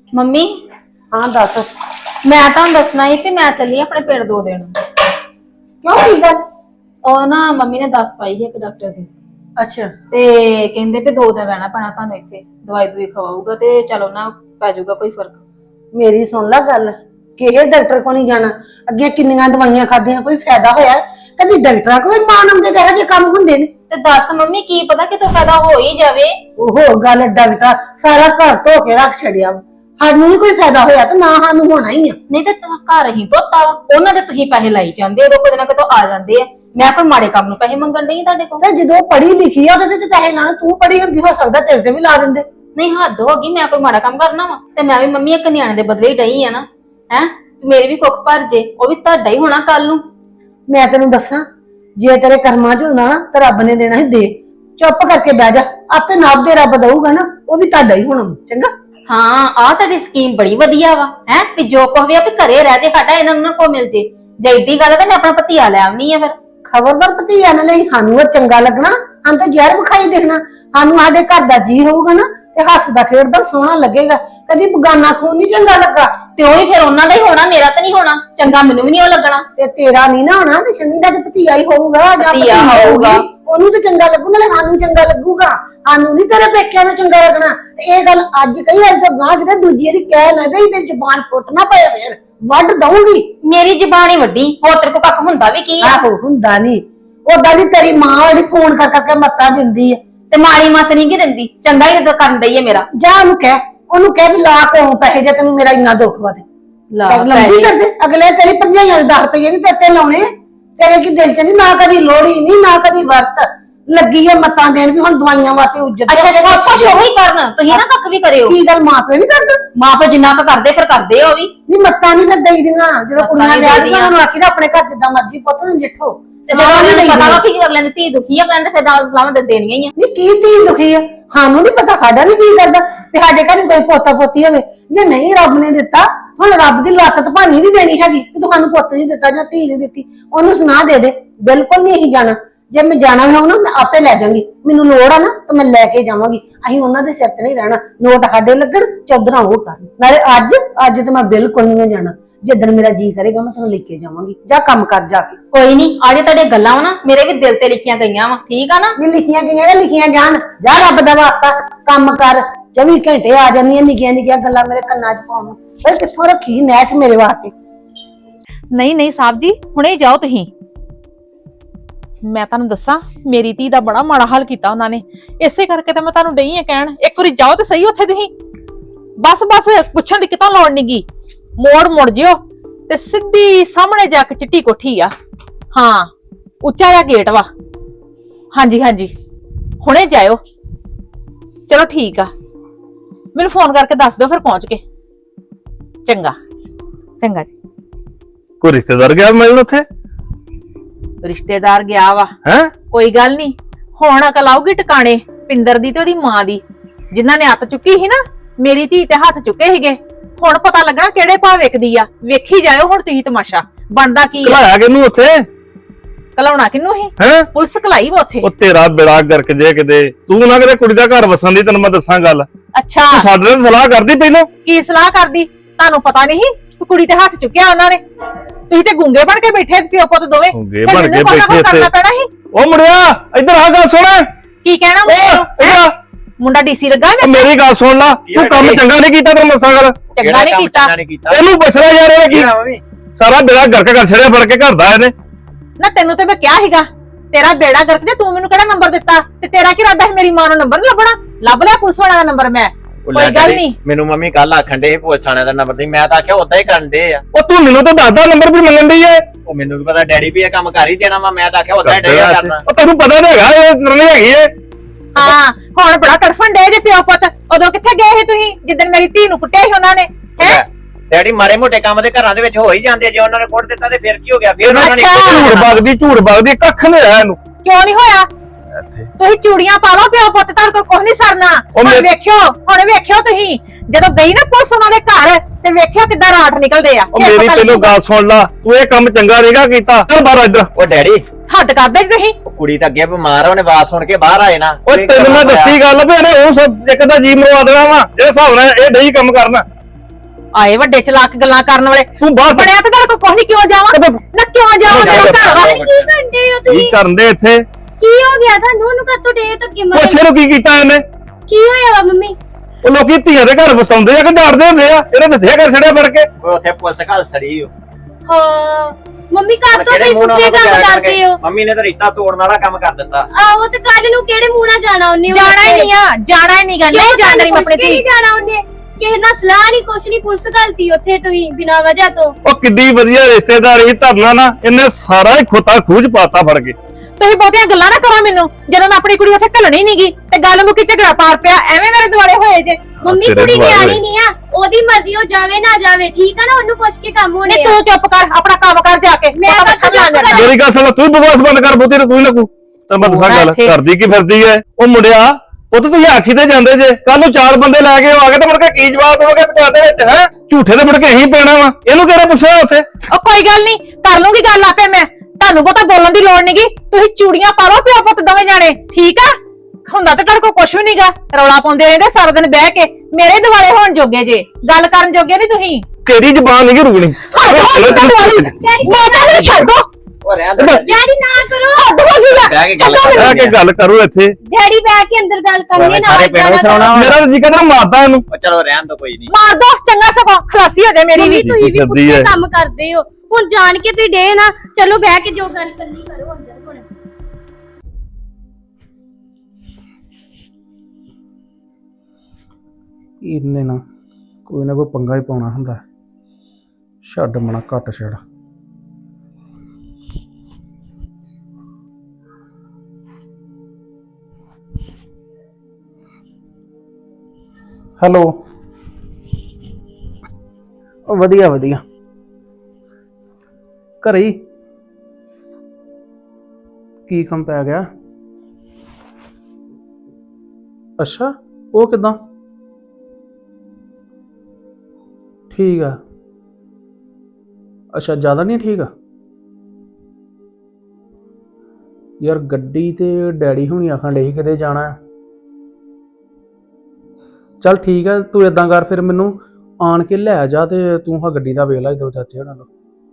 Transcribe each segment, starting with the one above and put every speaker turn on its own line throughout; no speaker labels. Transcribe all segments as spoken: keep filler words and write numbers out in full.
Mummy
हाँ दस
मैं ਤੁਹਾਨੂੰ ਦੱਸਣਾ ਸੀ ਕਿ ਮੈਂ ਚੱਲੀ ਆਪਣੇ ਪਿੰਡ ਦੋ ਦਿਨ
क्यों की गल
ਉਹ ਨਾ ਮੰਮੀ ਨੇ ਦੱਸ ਪਾਈ ਸੀ ਇੱਕ ਡਾਕਟਰ ਦੀ
अच्छा
ਤੇ ਕਹਿੰਦੇ ਵੀ ਦੋ ਦਿਨ ਰਹਿਣਾ ਪੈਣਾ ਤੁਹਾਨੂੰ ਇੱਥੇ ਦਵਾਈ ਦੂਈ ਖਵਾਊਗਾ ਤੇ ਚਲੋ ਨਾ ਪੈ ਜਾਊਗਾ ਕੋਈ ਫਰਕ।
मेरी सुन ला गल किहे डॉक्टर को नहीं जाना अगे किन्नियां दवाइयां खादियां कोई फायदा होया कदी डॉक्टरां कोई मान आंदे ते जे काम हुंदे ने
ਤੇ ਦੱਸ ਮੰਮੀ ਕੀ ਪਤਾ ਕਿ ਤੋਂ ਫਾਇਦਾ ਹੋ ਹੀ ਜਾਵੇ।
ओहो गल डॉक्टर सारा घर धो के रख छड़िया सानू नहीं कोई फायदा होया ते ना सानू होना ही है।
ਨਹੀਂ ਤੇ ਤੂੰ ਘਰ ਹੀ ਧੋਤਾ ਵਾ ਉਹਨਾਂ ਦੇ ਤੁਸੀਂ ਪੈਸੇ ਲਾਈ ਜਾਂਦੇ ਉਦੋਂ ਕੋਈ ਨਾ ਕਿਤੋਂ ਆ ਜਾਂਦੇ ਆ। ਮੈਂ ਕੋਈ ਮਾੜੇ ਕੰਮ ਨੂੰ ਪੈਸੇ ਮੰਗਣ ਨਹੀਂ ਤੁਹਾਡੇ ਕੋਲ
ਤੇ ਜਦੋਂ ਪੜ੍ਹੀ ਲਿਖੀ ਆ ਉਹਦੇ ਤੇ ਪੈਸੇ ਲਾਣੇ ਤੂੰ ਪੜ੍ਹੀ ਹੁੰਦੀ ਹੋ ਸਕਦਾ ਤੇਰੇ ਤੇ ਵੀ ਲਾ ਦਿੰਦੇ।
ਨਹੀਂ ਹੱਦ ਹੋ ਗਈ ਮੈਂ ਕੋਈ ਮਾੜਾ ਕੰਮ ਕਰਨਾ ਵਾ ਤੇ ਮੈਂ ਵੀ ਮੰਮੀ ਇੱਕ ਨਿਆਣੇ ਦੇ ਬਦਲੇ ਹੀ ਡਈ ਆ ਨਾ ਹੈ ਮੇਰੀ ਵੀ ਕੁੱਖ ਭਰ ਜੇ ਉਹ ਵੀ ਤੁਹਾਡਾ ਹੀ ਹੋਣਾ ਕੱਲ ਨੂੰ।
ਮੈਂ ਤੈਨੂੰ ਦੱਸਾਂ ਜੇ ਤੇਰੇ ਕਰਮਾਂ 'ਚ ਹੁੰਦਾ ਨਾ ਤੇ ਰੱਬ ਨੇ ਦੇਣਾ ਹੀ ਦੇ ਚੁੱਪ ਕਰਕੇ ਬਹਿ ਜਾ ਆਪੇ ਨਾਪ ਦੇ ਰੱਬ ਦਊਗਾ ਨਾ ਉਹ ਵੀ ਤੁਹਾਡਾ ਹੀ ਹੋਣਾ ਚੰਗਾ।
ਹਾਂ ਆਹ ਤੁਹਾਡੀ ਸਕੀਮ ਬੜੀ ਵਧੀਆ ਵਾ ਹੈ ਕਿ ਜੋ ਕੁਝ ਵੀ ਆ ਵੀ ਘਰੇ ਰਹਿ ਜੇ ਸਾਡਾ ਇਹਨਾਂ ਨੂੰ ਨਾ ਕੋ ਮਿਲ ਜੇ ਜੇ ਏਡੀ ਗੱਲ ਤਾਂ ਮੈਂ ਆਪਣਾ ਭਤੀਆ ਲੈ ਆਉਣੀ ਆ ਫਿਰ।
ਖਬਰਦਾਰ ਭਤੀਆ ਨਾ ਲਈ ਸਾਨੂੰ ਉਹ ਚੰਗਾ ਲੱਗਣਾ ਹਾਂ ਤਾਂ ਜ਼ਹਿਰ ਵਿਖਾਈ ਦੇਖਣਾ ਸਾਨੂੰ ਸਾਡੇ ਘਰ ਦਾ ਜੀ ਹੋਊਗਾ ਨਾ ਤੇ ਹੱਸਦਾ ਖੇਡਦਾ ਸੋਹਣਾ ਲੱਗੇਗਾ ਕਦੀ ਬਗਾਨਾ ਖੂਨ ਨਹੀਂ ਚੰਗਾ ਲੱਗਾ
ਤੇ ਉਹ ਵੀ ਫਿਰ ਉਹਨਾਂ ਦਾ ਹੀ ਹੋਣਾ ਮੇਰਾ ਤਾਂ ਨਹੀਂ ਹੋਣਾ ਚੰਗਾ ਮੈਨੂੰ ਵੀ ਨਹੀਂ ਉਹ ਲੱਗਣਾ
ਤੇ ਤੇਰਾ ਨਹੀਂ ਨਾ ਹੋਣਾ ਤੇ ਸ਼ਨੀ ਦਾ ਤੇ ਭਤੀਆ ਹੀ ਹੋਊਗਾ ਜਾਂ
ਭਤੀਆ ਹੋਊਗਾ
ਉਹਨੂੰ ਤਾਂ ਚੰਗਾ ਲੱਗੂ ਨਾਲੇ ਸਾਨੂੰ ਚੰਗਾ ਲੱਗੂਗਾ ਸਾਨੂੰ ਨਹੀਂ ਤੇਰੇ ਪੇਕਿਆਂ ਨੂੰ ਚੰਗਾ ਲੱਗਣਾ ਤੇ ਇਹ ਗੱਲ ਅੱਜ ਕਹੀ ਅੱਜ ਤੋਂ ਗਾਂ ਕਿਤੇ ਦੂਜੀ ਵਾਰੀ ਕਹਿ ਨਾ ਦੇਈ ਤੇ ਜ਼ੁਬਾਨ ਫੁੱਟ ਨਾ ਪਏ ਫੇਰ ਵੱਢ ਦਊਂਗੀ।
ਮੇਰੀ ਜ਼ੁਬਾਨ ਹੀ ਵੱਡੀ ਹੋਰ ਤੇਰੇ ਕੋ ਕੱਖ ਹੁੰਦਾ ਵੀ ਕੀ ਆ।
ਆਹੋ ਹੁੰਦਾ ਨਹੀਂ ਉਦਾਂ ਦੀ ਤੇਰੀ ਮਾਂ ਵਾਲੀ ਫੋਨ ਕਰ ਕਰਕੇ ਮੱਤਾਂ ਦਿੰਦੀ ਹੈ
ਤੇ ਮਾੜੀ ਮੱਤ ਨਹੀਂ ਕਿ ਦਿੰਦੀ ਚੰਗਾ ਹੀ ਕਰਨ ਦਈ ਹੈ ਮੇਰਾ।
ਜਾ ਉਹਨੂੰ ਕਹਿ ਉਹਨੂੰ ਕਹਿ ਵੀ ਲਾ ਕੋਂ ਪੈਸੇ ਜੇ ਤੈਨੂੰ ਮੇਰਾ ਇੰਨਾ ਦੁੱਖ ਵਾ ਤੇ ਲੰਬੀ ਕਰਦੇ ਅਗਲੇ ਤੇਰੀ ਭਰਜਾਈਆਂ ਦੇ ਦਸ ਰੁਪਏ ਨਹੀਂ ਤੇਰੇ ਲਾਉਣੇ ਤੇਰੇ ਕੀ ਦਿਲ ਚ ਨਹੀਂ ਨਾ ਕਦੀ ਲੋੜੀ ਨਹੀਂ ਨਾ ਕਦੀ ਵਰਤ ਲੱਗੀ ਹੈ ਮੱਤਾਂ ਦੇਣ ਵੀ ਹੁਣ ਦਵਾਈਆਂ ਵਾਸਤੇ ਉੱਜਤ
ਅੱਛਾ ਉਹੀ ਕਰਨ ਤੁਸੀਂ ਨਾ ਕੱਖ ਵੀ ਕਰਿਓ।
ਕੀ ਗੱਲ ਮਾਂ ਪਿਓ ਨਹੀਂ ਕਰਦੇ
ਮਾਂ ਪਿਓ ਜਿੰਨਾ ਕੁ ਕਰਦੇ ਫਿਰ ਕਰਦੇ ਉਹ ਵੀ
ਨਹੀਂ ਮੱਤਾਂ ਨਹੀਂ ਫਿਰ ਦਈਦੀਆਂ ਜਦੋਂ ਕੁੜੀਆਂ ਵਿਆਹਦੀਆਂ ਉਹਨੂੰ ਆਖੀ ਨਾ ਆਪਣੇ ਘਰ ਜਿੱਦਾਂ ਮਰਜ਼ੀ ਪੁੱਤ ਨੂੰ ਜਿੱਠੋ
ਤੇ ਜਦੋਂ ਉਹਨਾਂ ਨੂੰ ਪਤਾ ਵਾ ਕਿ ਅਗਲੇ ਦੀ ਧੀ ਦੁਖੀ ਆ ਕਹਿੰਦੇ ਫਿਰ ਦਾਸ ਸਲਾਮ ਦੇ ਦੇਣੀਆਂ ਹੀ ਆ।
ਨਹੀਂ ਕੀ ਧੀ ਦੁਖੀ ਆ ਸਾਨੂੰ ਨਹੀਂ ਪਤਾ ਸਾਡਾ ਨਹੀਂ ਜੀ ਕਰਦਾ ਤੇ ਸਾਡੇ ਘਰ ਕੋਈ ਪੋਤਾ ਪੋਤੀ ਹੋਵੇ ਜੇ ਨਹੀਂ ਰੱਬ ਨੇ ਦਿੱਤਾ ਹੁਣ ਰੱਬ ਦੀ ਲੱਤ ਭਾਨੀ ਨਹੀਂ ਦੇਣੀ ਹੈਗੀ ਕਿ ਤੁਹਾਨੂੰ ਪੁੱਤ ਨਹੀਂ ਦਿੱਤਾ ਜਾਂ ਧੀ ਨਹੀਂ ਦਿੱਤੀ ਉਹਨੂੰ ਸੁਣਾ ਦੇ ਦੇ ਬਿਲਕੁਲ ਨਹੀਂ ਅਸੀਂ ਜਾਣਾ ਜੇ ਮੈਂ ਜਾਣਾ ਵੀ ਹੋਊ ਨਾ ਮੈਂ ਆਪੇ ਲੈ ਜਾਵਾਂਗੀ ਮੈਨੂੰ ਲੋੜ ਆ ਨਾ ਤਾਂ ਮੈਂ ਲੈ ਕੇ ਜਾਵਾਂਗੀ ਅਸੀਂ ਉਹਨਾਂ ਦੇ ਸਿਰ ਤੇ ਨਹੀਂ ਰਹਿਣਾ ਨੋਟ ਸਾਡੇ ਲੱਗਣ ਚੌਧਰਾਂ ਉਹ ਕਰਨ ਨਾਲੇ ਅੱਜ ਅੱਜ ਤੇ ਮੈਂ ਬਿਲਕੁਲ ਨਹੀਂ ਜਾਣਾ ਜਿੱਦਣ ਮੇਰਾ ਜੀ ਕਰੇਗਾ ਮੈਂ ਤੁਹਾਨੂੰ ਲੈ ਕੇ ਜਾਵਾਂਗੀ ਜਾ ਕੰਮ ਕਰ ਜਾ ਕੇ।
ਕੋਈ ਨਹੀਂ ਆੜੇ ਤੁਹਾਡੇ ਗੱਲਾਂ ਵਾ ਨਾ ਮੇਰੇ ਵੀ ਦਿਲ ਤੇ ਲਿਖੀਆਂ ਗਈਆਂ ਵਾ ਠੀਕ ਆ ਨਾ
ਨਹੀਂ ਲਿਖੀਆਂ ਗਈਆਂ ਨੇ ਲਿਖੀਆਂ ਜਾਣ ਜਾ ਰੱਬ ਦਾ ਵਾਸਤਾ ਕੰਮ ਕਰ ਚੌਵੀ ਘੰਟੇ ਆ ਜਾਂਦੀਆਂ ਨਿੱਕੀਆਂ ਨਿੱਕੀਆਂ ਗੱਲਾਂ ਮੇਰੇ ਕੰਨਾਂ 'ਚ ਪਾਉਣ ਫਿਰ ਕਿੱਥੋਂ ਰੱਖੀ ਨੈਸ਼ ਮੇਰੇ ਵਾਸਤੇ।
ਨਹੀਂ ਨਹੀਂ ਸਾਹਿਬ ਜੀ ਹੁਣੇ ਜਾਓ ਤੁਸੀਂ ਮੈਂ ਤੁਹਾਨੂੰ ਦੱਸਾਂ ਮੇਰੀ ਧੀ ਦਾ ਬੜਾ ਮਾੜਾ ਹਾਲ ਕੀਤਾ ਉਹਨਾਂ ਨੇ ਇਸੇ ਕਰਕੇ ਤਾਂ ਮੈਂ ਤੁਹਾਨੂੰ ਡਈ ਆ ਕਹਿਣ ਇੱਕ ਵਾਰੀ ਜਾਓ ਤੇ ਸਹੀ ਉੱਥੇ ਤੁਸੀਂ ਬਸ ਬਸ ਪੁੱਛਣ ਦੀ ਕਿਤੋਂ ਲੋੜ ਨੀ ਗੀ ਮੋੜ ਮੁੜ ਜਿਓ ਤੇ ਸਿੱਧੀ ਸਾਹਮਣੇ ਜਾ ਕੇ ਚਿੱਟੀ ਕੋਠੀ ਆ ਹਾਂ ਉੱਚਾ ਜਿਹਾ ਗੇਟ ਵਾ ਹਾਂਜੀ ਹਾਂਜੀ ਹੁਣੇ ਜਾਇਓ ਚਲੋ ਠੀਕ ਆ ਮੈਨੂੰ ਫੋਨ ਕਰਕੇ ਦੱਸ ਦਿਓ ਫਿਰ ਪਹੁੰਚ ਕੇ ਚੰਗਾ ਚੰਗਾ ਜੀ।
ਕੋਈ ਰਿਸ਼ਤੇਦਾਰ ਗਿਆ ਮਿਲਣ ਉੱਥੇ
ਰਿਸ਼ਤੇਦਾਰ ਗਿਆ ਵਾ
ਹੈ
ਕੋਈ ਗੱਲ ਨਹੀਂ ਹੁਣ ਅਕਲ ਆਊਗੀ ਟਿਕਾਣੇ ਪਿੰਦਰ ਦੀ ਤੇ ਉਹਦੀ ਮਾਂ ਦੀ ਜਿਨ੍ਹਾਂ ਨੇ ਹੱਥ ਚੁੱਕੀ ਸੀ ਨਾ ਮੇਰੀ ਧੀ ਤੇ ਹੱਥ ਚੁੱਕੇ ਸੀਗੇ ਹੁਣ ਪਤਾ ਲੱਗਣਾ ਕਿਹੜੇ ਭਾਅ ਵੇਖਦੀ ਆ ਵੇਖੀ ਜਾਇਓ ਹੁਣ ਤੁਸੀਂ ਤਮਾਸ਼ਾ ਬਣਦਾ ਕੀ
ਕਲਾਇਆ ਕਿਨੂੰ ਉੱਥੇ
ਕਲਾਉਣਾ ਕਿਨੂੰ ਸੀ
ਹੈ
ਪੁਲਿਸ ਕਲਾਈ ਵਾ ਉੱਥੇ
ਉਹ ਤੇਰਾ ਬੇੜਾ ਗਰਕ ਜੇ ਕਿਤੇ ਤੂੰ ਨਾ ਕਿਤੇ ਕੁੜੀ ਦਾ ਘਰ ਵਸਣ ਦੀ ਤੈਨੂੰ ਮੈਂ ਦੱਸਾਂ ਗੱਲ
ਅੱਛਾ
ਤੂੰ ਸਾਡੇ ਨਾਲ ਸਲਾਹ ਕਰਦੀ ਪਹਿਲਾਂ
ਕੀ ਸਲਾਹ ਕਰਦੀ ਤੁਹਾਨੂੰ ਪਤਾ ਨਹੀਂ ਕਿ ਕੁੜੀ ਤੇ ਹੱਥ ਚੁੱਕਿਆ ਉਹਨਾਂ ਨੇ ਤੁਸੀਂ ਤੇ ਗੁੰਗੇ ਬਣ ਕੇ ਬੈਠੇ ਪਿਓ ਪੁੱਤ ਦੋਵੇਂ
ਗੁੰਗੇ ਬਣ ਕੇ ਬੈਠੇ
ਇੱਥੇ ਪੈਣਾ ਸੀ
ਉਹ ਮੁੰਡਿਆ ਇੱਧਰ ਆ ਗੱਲ ਸੁਣ
ਕੀ ਕਹਿਣਾ
ਉਹ
ਮੁੰਡਾ ਡੀਸੀ ਲੱਗਾ
ਉਹ ਮੇਰੀ ਗੱਲ ਸੁਣ ਲਾ ਤੂੰ ਕੰਮ ਚੰਗਾ ਨਹੀਂ ਕੀਤਾ ਤੈਨੂੰ ਮੱਸਾਂ ਗੱਲ
ਚੰਗਾ ਨਹੀਂ ਕੀਤਾ
ਇਹਨੂੰ ਪੁੱਛਣਾ ਯਾਰ ਇਹ ਕੀ ਸਾਰਾ ਬੇੜਾ ਗਰਕ ਕਰ ਛੜਿਆ ਫੜ ਕੇ ਘਰ ਦਾ ਇਹਨੇ
ਨਾ ਤੈਨੂੰ ਤੇ ਮੈਂ ਕਿਹਾ ਸੀਗਾ ਤੇਰਾ ਬੇੜਾ ਗਰਕ ਜੇ ਤੂੰ ਮੈਨੂੰ ਕਿਹੜਾ ਨੰਬਰ ਦਿੱਤਾ ਤੇ ਤੇਰਾ ਕੀ ਇਰਾਦਾ ਹੈ ਮੇਰੀ ਮਾਂ ਨੂੰ ਨੰਬਰ ਨੀ ਲੱਭਣਾ ਲੱਭ ਲਿਆ ਪੁਲਿਸ ਵਾਲਾ ਦਾ ਨੰਬਰ ਮੈਂ ਕੋਈ ਗੱਲ ਨਹੀਂ
ਮੈਨੂੰ ਮੰਮੀ ਕੱਲ ਆਖਣ ਦੇ ਪੁਲਿਸ ਵਾਲਿਆਂ ਦਾ ਨੰਬਰ ਨਹੀਂ ਮੈਂ ਤਾਂ ਆਖਿਆ ਉਦਾਂ ਹੀ ਕਰਨ ਦੇ ਆ
ਉਹ ਤੂੰ ਮੈਨੂੰ ਤਾਂ ਦੱਸਦਾ ਨੰਬਰ ਵੀ ਮੰਗਣ ਦੀ ਏ
ਉਹ ਮੈਨੂੰ ਵੀ ਪਤਾ ਡੈਡੀ ਵੀ ਇਹ ਕੰਮ ਕਰ ਹੀ ਦੇਣਾ ਵਾ ਮੈਂ ਤਾਂ ਆਖਿਆ ਉਦਾਂ ਹੀ ਡਿਆ ਕਰਨਾ
ਉਹ ਤੈਨੂੰ ਪਤਾ ਤਾਂ ਹੈਗਾ ਇਹ ਤਰਨੀ ਹੈਗੀ ਏ
ਹਾਂ ਹੁਣ ਬੜਾ ਤੜਫਣ ਡੇ ਜੇ ਪਿਓ ਪੁੱਤ ਉਦੋਂ ਕਿੱਥੇ ਗਏ ਸੀ ਤੁਸੀਂ ਜਿੱਦਣ ਮੇਰੀ ਧੀ ਨੂੰ ਕੁੱਟਿਆ ਸੀ ਉਹਨਾਂ ਨੇ ਹੈ
ਡੈਡੀ ਮਾਰੇ ਮੋਟੇ ਕੰਮ ਦੇ ਘਰਾਂ ਦੇ ਵਿੱਚ ਹੋ ਹੀ ਜਾਂਦੇ ਆ ਜੇ ਉਹਨਾਂ ਨੇ ਕੁੱਟ ਦਿੱਤਾ ਤੇ ਫਿਰ ਕੀ ਹੋ ਗਿਆ ਫਿਰ ਉਹਨਾਂ ਨੇ
ਝੂੜ ਬਗਦੀ ਝੂੜ ਬਗਦੀ ਕੱਖ ਨਹੀਂ ਆਇਆ ਇਹਨੂੰ
ਕਿਉਂ ਨਹੀਂ ਹੋਇਆ ਤੁਸੀਂ ਚੂੜੀਆਂ ਪਾ ਲਓ ਪਿਓ ਪੁੱਤ ਤੁਹਾਡੇ ਕੋਲ ਕੁਝ ਨਹੀਂ ਸਰਨਾ ਹੁਣ ਵੇਖਿਓ ਹੁਣ ਵੇਖਿਓ ਤੁਸੀਂ ਜਦੋਂ ਗਈ ਨਾ ਪੁਲਿਸ ਉਹਨਾਂ ਦੇ ਘਰ ਤੇ ਵੇਖਿਓ ਕਿੱਦਾਂ ਰਾਠ ਨਿਕਲਦੇ ਆ
ਉਹ ਮੇਰੀ ਪਹਿਲੋਂ ਗੱਲ ਸੁਣ ਲਾ ਤੂੰ ਇਹ ਕੰਮ ਚੰਗਾ ਨਹੀਂਗਾ ਕੀਤਾ ਚੱਲ ਬਾਹਰ ਇੱਧਰ
ਉਹ ਡੈਡੀ
ਹੱਦ ਕਰਦੇ ਜੀ ਤੁਸੀਂ
ਕੁੜੀ ਤਾਂ ਅੱਗੇ ਬਿਮਾਰ ਆ ਉਹਨੇ ਆਵਾਜ਼ ਸੁਣ ਕੇ ਬਾਹਰ ਆਏ ਨਾ
ਉਹ ਤੈਨੂੰ ਮੈਂ ਦੱਸੀ ਗੱਲ ਵੀ ਇਹਨੇ ਉਹ ਇੱਕ ਦਾ ਜੀ ਮਰਵਾ ਦੇਣਾ ਵਾ ਜਿਹੜੇ ਹਿਸਾਬ ਨਾਲ ਇਹ ਡਈ ਕੰਮ ਕਰਨਾ
ਆਏ ਵੱਡੇ ਚਲਾਕ ਗੱਲਾਂ ਕਰਨ ਵਾਲੇ
ਤੂੰ ਬਾਹਰ
ਬਣਿਆ ਤੇ ਤੇਰੇ ਕੋਲ ਕੁਝ ਨਹੀਂ ਕਿਉਂ ਜਾਵਾਂ ਨਾ ਕਿਉਂ ਜਾਵਾਂ ਮੇਰਾ ਘਰ ਵਾ
ਕੀ ਕਰਦੇ ਹੋ
ਕੀ
ਤੁਸੀਂ
ਕਰਨ ਦੇ ਇੱਥੇ
ਕੀ ਹੋ ਗਿਆ ਤੁਹਾਨੂੰ ਉਹਨੂੰ ਕਦੋਂ ਡੇ ਧੱਕੇ ਮਾਰੇ
ਪੁੱਛ ਨੂੰ ਕੀ ਕੀਤਾ ਇਹਨੇ
ਕੀ ਹੋਇਆ ਵਾ ਮੰਮੀ
ਉਹ ਲੋਕੀ ਧੀਆਂ ਦੇ ਘਰ ਵਸਾਉਂਦੇ ਆ ਕਿ ਡਾੜਦੇ ਹੁੰਦੇ ਆ ਇਹਨੇ ਦੱਸਿਆ ਕਰ ਛੜਿਆ ਫੜ ਕੇ
ਉਹ ਉੱਥੇ ਪੁਲਿਸ ਘਲ ਸੜੀ ਓ
ਹਾਂ ਮੰਮੀ
ਹੁਣ
ਕਾਤੋਂ
ਕਿਹੜੇ
ਤੁਸੀਂ
ਮੂੰਹ ਨਾਲ
ਪੁੱਠੇ ਕੰਮ
ਉਹਨੂੰ
ਕਰਦੇ ਹੋ
ਮੰਮੀ ਨੇ ਤਾਂ ਰਿਸ਼ਤਾ ਤੋੜਨ ਵਾਲਾ ਕੰਮ ਕਰ ਦਿੱਤਾ
ਆਹੋ ਤੇ ਕੱਲ ਨੂੰ ਕਿਹੜੇ ਮੂੰਹ ਨਾਲ ਜਾਣਾ ਉਹਨੇ
ਜਾਣਾ ਹੀ ਨਹੀਂ ਆ ਜਾਣਾ ਹੀ ਨਹੀਂ ਗਾ ਨਹੀਂ ਜਾਣ ਰਹੀ ਮੈਂ ਆਪਣੀ
ਨਹੀਂ
ਧੀ
ਜਾਣਾ ਉਹਨੇ ਕਿਸੇ ਨਾਲ ਸਲਾਹ ਨਹੀਂ ਕੁਛ ਨਹੀਂ ਪੁਲਿਸ ਗਲਤੀ ਉੱਥੇ ਤੁਸੀਂ ਬਿਨਾਂ ਵਜ੍ਹਾ ਤੋਂ
ਉਹ ਕਿੱਡੀ ਵਧੀਆ ਰਿਸ਼ਤੇਦਾਰੀ ਧਰਨਾ ਨਾ ਇਹਨੇ ਸਾਰਾ ਹੀ ਖੋਤਾ ਖੂਜ ਪਾਤਾ ਫੜ ਕੇ
ਤੁਸੀਂ ਬਹੁਤੀਆਂ ਗੱਲਾਂ ਨਾ ਕਰੋ ਮੈਨੂੰ ਜਦੋਂ ਮੈਂ ਆਪਣੀ ਕੁੜੀ ਉੱਥੇ ਘੱਲਣੀ ਨਹੀਂਗੀ ਤੇ ਗੱਲ ਮੁੱਕੀ ਝਗੜਾ ਪਾਰ ਪਿਆ ਐਵੇਂ ਮੇਰੇ ਦੁਆਲੇ ਹੋਏ ਜੇ
ਮੰਮੀ
ਤੇਰੇ
ਕੁੜੀ
ਦੁਆਲੇ
ਨਿਆਣੀ ਨਹੀਂ ਆ ਉਹਦੀ ਮਰਜ਼ੀ ਉਹ ਜਾਵੇ ਨਾ ਜਾਵੇ ਠੀਕ ਆ ਨਾ ਉਹਨੂੰ ਪੁੱਛ ਕੇ ਕੰਮ ਹੋਣੇ
ਨਹੀਂ
ਆ
ਤੂੰ ਚੁੱਪ ਕਰ ਆਪਣਾ ਕੰਮ ਕਰ ਜਾ ਕੇ
ਮੈਂ
ਪਤਾ
ਤਾਂ
ਲੱਗ
ਚੁੱਪ
ਜਾਂਦਾ।
ਕਰ-
ਮੇਰੀ ਗੱਲ ਸੁਣ ਤੂੰ ਬਕਵਾਸ ਬੰਦ ਕਰ ਬੋਤੀ ਕੋਈ ਨਾ ਕੋ ਤਾਂ ਮੈਂ ਦੱਸਾਂ ਗੱਲ
ਇੱਥੇ।
ਕਰਦੀ ਕੀ ਫਿਰਦੀ ਐ ਉਹ ਮੁੰਡਿਆ ਉਹ ਤਾਂ ਤੁਸੀਂ ਆਖੀ ਤੇ ਜਾਂਦੇ ਜੇ ਕੱਲ ਨੂੰ ਚਾਰ ਬੰਦੇ ਲੈ ਕੇ ਆ ਗਏ ਤੇ ਮੁੜ ਕੇ ਕੀ ਜਵਾਬ ਦੋਗੇ ਪਟਿਆਲੇ ਦੇ ਵਿੱਚ ਹੈ ਝੂਠੇ ਤੇ ਮੁੜ ਕੇ ਇਹੀ ਪੈਣਾ ਵਾ ਇਹਨੂੰ ਕਿਹੜਾ ਪੁੱਛਿਆ ਉੱਥੇ
ਉਹ ਕੋਈ ਗੱਲ ਨਹੀਂ ਕਰ ਲੂੰਗੀ ਗੱਲ ਆਪੇ ਮੈਂ ਤੁਹਾਨੂੰ ਬਹੁਤਾ ਬੋਲਣ ਦੀ ਲੋੜ ਨਹੀਂਗੀ ਤੁਸੀਂ ਚੂੜੀਆਂ ਪਾ ਲਓ ਪਿਓ ਪੁੱਤ ਦੋਵੇਂ ਜਾਣੇ ਠੀਕ ਆ ਹੁੰਦਾ ਤਾਂ ਤੁਹਾਡੇ ਕੋਲ ਕੁਝ ਵੀ ਨਹੀਂਗਾ ਰੌਲਾ ਪਾਉਂਦੇ ਰਹਿੰਦੇ ਸਾਰਾ ਦਿਨ ਬਹਿ ਕੇ ਮੇਰੇ ਦੁਆਲੇ ਹੋਣ ਜੋਗੇ ਜੇ ਗੱਲ ਕਰਨ ਜੋਗੇ ਨਹੀਂ ਤੁਸੀਂ
ਤੇਰੀ ਜ਼ਬਾਨ ਨਹੀਂ ਰੁਕਣੀ
ਮੈਂ ਤਾਂ ਨਹੀਂ ਛੱਡੋ
ਉਹ ਰਹਿਣ ਦੇ ਡੈਡੀ।
ਡੈਡੀ ਨਾ ਕਰੋ
ਹੱਦ ਹੋ ਗਈ ਆ
ਬਹਿ ਕੇ ਗੱਲ
ਛੱਡੋ
ਕਰ।
ਆ ਕੇ ਗੱਲ ਕਰੋ ਇੱਥੇ
ਡੈਡੀ ਬਹਿ ਕੇ ਅੰਦਰ ਗੱਲ ਕਰਨੀ
ਭਾਵੇਂ
ਨਾ
ਸਾਰੇ ਪਿੰਡ ਨੂੰ ਸੁਣਾਉਣਾ ਵਾ।
ਮੇਰਾ ਤਾਂ ਜੀ ਕਹਿੰਦਾ ਮਾਰਦਾ ਇਹਨੂੰ
ਉਹ ਚਲੋ ਰਹਿਣ ਦੋ ਕੋਈ ਨਹੀਂ
ਮਾਰ ਦੋ ਚੰਗਾ ਸਗੋਂ ਖਲਾਸੀ ਹੋ ਜਾਏ ਮੇਰੀ
ਮੰਮੀ
ਵੀ
ਤੁਸੀਂ ਵੀ
ਕਰਦੀ
ਪੁੱਠੇ
ਹੈ।
ਕੰਮ ਕਰਦੇ ਹੋ ਹੁਣ ਜਾਣ ਕੇ ਤੁਸੀਂ ਡੇ ਨਾ ਚਲੋ ਬਹਿ ਕੇ ਜੋ ਗੱਲ ਕਰਨੀ ਕਰੋ ਅੰਦਰ ਹੁਣ
ਇਹਨੇ ਨਾ ਕੋਈ ਨਾ ਕੋਈ ਪੰਗਾ ਹੀ ਪਾਉਣਾ ਹੁੰਦਾ ਛੱਡ ਮਣਾ ਘੱਟ ਛੜ ਹੈਲੋ ਉਹ ਵਧੀਆ ਵਧੀਆ ਘਰੇ ਹੀ ਕੀ ਕੰਮ ਪੈ ਗਿਆ ਅੱਛਾ ਉਹ ਕਿਦਾਂ ਠੀਕ ਆ ਅੱਛਾ ਜ਼ਿਆਦਾ ਨਹੀਂ ਠੀਕ ਆ ਯਾਰ ਗੱਡੀ ਤੇ ਡੈਡੀ ਹੁਣੀ ਆਖਣ ਡੇ ਸੀ ਕਿਤੇ ਜਾਣਾ ਹੈ। ਚੱਲ ਠੀਕ ਆ ਤੂੰ ਇਦਾਂ ਕਰ ਫਿਰ ਮੈਨੂੰ ਆਣ ਕੇ ਲੈ ਜਾ ਤੇ ਤੂੰ ਹਾਂ ਗੱਡੀ ਦਾ ਵੇਖ ਲੈ ਇਧਰੋਂ ਚਾਚੇ ਹੋਣਾ ਲੋ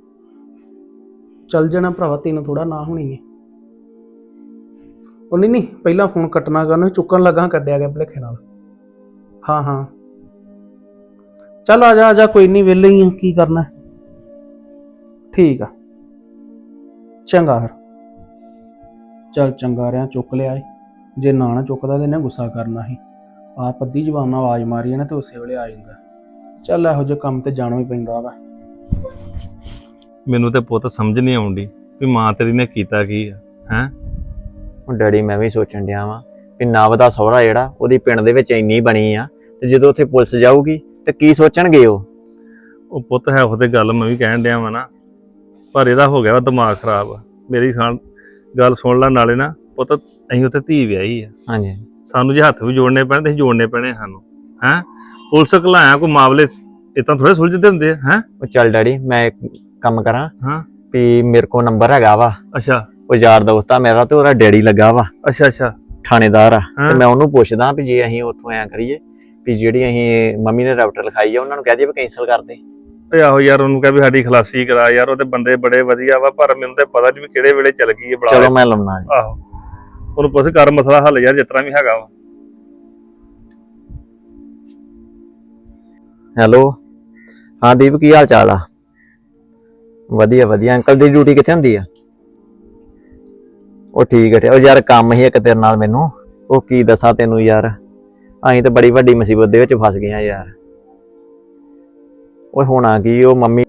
ਚੱਲ ਜਾਣਾ ਭਰਾਵਾ ਤੈਨੂੰ ਥੋੜਾ ਨਾ ਹੋਣੀ ਹੈ ਉਹ ਨਹੀਂ ਨਹੀਂ ਪਹਿਲਾਂ ਫੋਨ ਕੱਟਣਾ ਕਰਨ ਚੁੱਕਣ ਲੱਗਾ ਕੱਢਿਆ ਗਿਆ ਭਲੇਖੇ ਨਾਲ ਹਾਂ ਹਾਂ ਚੱਲ ਆ ਜਾ ਆ ਜਾ ਕੋਈ ਨਹੀਂ ਵਿਹਲੇ ਹੀ ਆ ਕੀ ਕਰਨਾ ਠੀਕ ਆ ਚੰਗਾ ਫਿਰ ਚੱਲ ਚੰਗਾ ਰਿਆ ਚੁੱਕ ਲਿਆ ਏ ਜੇ ਨਾ ਨਾ ਚੁੱਕਦਾ ਤੇ ਇਹਨੇ ਗੁੱਸਾ ਕਰਨਾ ਸੀ ਆਪ ਅੱਧੀ ਜ਼ਬਾਨ ਨਾਲ ਆਵਾਜ਼ ਮਾਰੀ ਨਾ ਤੇ ਉਸੇ ਵੇਲੇ ਆ ਜਾਂਦਾ ਚੱਲ ਇਹੋ ਜਿਹੇ ਕੰਮ ਤੇ ਜਾਣਾ ਵੀ ਪੈਂਦਾ ਵਾ
ਮੈਨੂੰ ਤੇ ਪੁੱਤ ਸਮਝ ਨਹੀਂ ਆਉਂਦੀ ਵੀ ਮਾਂ ਤੇਰੀ ਨੇ ਕੀਤਾ ਕੀ ਆ ਹੈ
ਹੁਣ ਡੈਡੀ ਮੈਂ ਵੀ ਸੋਚਣ ਡਿਆ ਵਾਂ ਕਿ ਨਵ ਦਾ ਸਹੁਰਾ ਜਿਹੜਾ ਉਹਦੀ ਪਿੰਡ ਦੇ ਵਿੱਚ ਇੰਨੀ ਬਣੀ ਆ ਤੇ ਜਦੋਂ ਉੱਥੇ ਪੁਲਿਸ ਜਾਊਗੀ ਤੇ ਕੀ ਸੋਚਣਗੇ ਉਹ
ਉਹ ਪੁੱਤ ਹੈ ਉਹਦੇ ਗੱਲ ਮੈਂ ਵੀ ਕਹਿਣ ਡਿਆ ਵਾ ਨਾ ਪਰ ਇਹਦਾ ਹੋ ਗਿਆ ਵਾ ਦਿਮਾਗ ਖਰਾਬ ਮੇਰੀ ਸੁਣ ਗੱਲ ਸੁਣ ਲੈ ਨਾਲੇ ਨਾ ਪੁੱਤ ਅਸੀਂ ਉੱਥੇ ਧੀ ਵਿਆਹੀ ਆ
ਹਾਂਜੀ
ਸਾਨੂੰ ਜੇ ਹੱਥ ਵੀ ਜੋੜਨੇ ਪੈਣ ਤੇ ਅਸੀਂ ਜੋੜਨੇ ਪੈਣੇ ਸਾਨੂੰ ਹੈ ਪੁਲਿਸ ਘਲਾਇਆ ਕੋਈ ਮਾਮਲੇ ਇਤਾਂ ਥੋੜੇ ਸੁਲਝਦੇ ਹੁੰਦੇ ਆ ਹੈ
ਉਹ ਚੱਲ ਡੈਡੀ ਮੈਂ ਇੱਕ ਕੰਮ ਕਰਾਂ
ਹਾਂ
ਵੀ ਮੇਰੇ ਕੋਲ ਨੰਬਰ ਹੈਗਾ ਵਾ
ਅੱਛਾ
ਉਹ ਯਾਰ ਦੋਸਤ ਆ ਮੇਰਾ ਤੇ ਉਹਦਾ ਡੈਡੀ ਲੱਗਾ ਵਾ
ਅੱਛਾ ਅੱਛਾ
ਥਾਣੇਦਾਰ ਆ
ਹਾਂ।
ਤੇ ਮੈਂ ਉਹਨੂੰ ਪੁੱਛਦਾ ਵੀ ਜੇ ਅਸੀਂ ਉੱਥੋਂ ਐਂ ਕਰੀਏ ਵੀ ਜਿਹੜੀ ਅਸੀਂ ਮੰਮੀ ਨੇ ਰੈਪਟਰ ਲਿਖਾਈ ਆ ਉਹਨਾਂ ਨੂੰ ਕਹਿ ਦਈਏ ਵੀ ਕੈਂਸਲ ਕਰ ਦੇ
ਓਏ ਆਹੋ ਯਾਰ ਉਹਨੂੰ ਕਹਿ ਵੀ ਸਾਡੀ ਖਲਾਸੀ ਕਰਾ ਯਾਰ ਉਹਦੇ ਬੰਦੇ ਬੜੇ ਵਧੀਆ ਵਾ ਪਰ ਮੈਨੂੰ ਤੇ ਪਤਾ ਨਹੀਂ ਵੀ ਕਿਹੜੇ ਵੇਲੇ ਚੱਲ ਗਈ ਹੈ ਬੜਾ
ਚਲੋ ਮੈਂ ਲਾਉਣਾ ਜੀ
ਆਹੋ ਉਹਨੂੰ ਪੁੱਛ ਕਰ ਮਸਲਾ ਹੱਲ ਯਾਰ ਜਿਸ ਤਰ੍ਹਾਂ ਵੀ ਹੈਗਾ ਵਾ
ਹੈਲੋ ਹਾਂ ਦੀਪ ਕੀ ਹਾਲ ਚਾਲ ਆ ਵਧੀਆ ਵਧੀਆ ਅੰਕਲ ਦੀ ਡਿਊਟੀ ਕਿੱਥੇ ਹੁੰਦੀ ਆ ਉਹ ਠੀਕ ਹੈ ਉਹ ਯਾਰ ਕੰਮ ਹੀ ਇੱਕ ਤੇਰੇ ਨਾਲ ਮੈਨੂੰ ਉਹ ਕੀ ਦੱਸਾਂ ਤੈਨੂੰ ਯਾਰ ਅਸੀਂ ਤਾਂ ਬੜੀ ਵੱਡੀ ਮੁਸੀਬਤ ਦੇ ਵਿੱਚ ਫਸ ਗਏ ਆ ਯਾਰ ਓਏ ਹੋਣਾ ਕੀ ਉਹ ਮੰਮੀ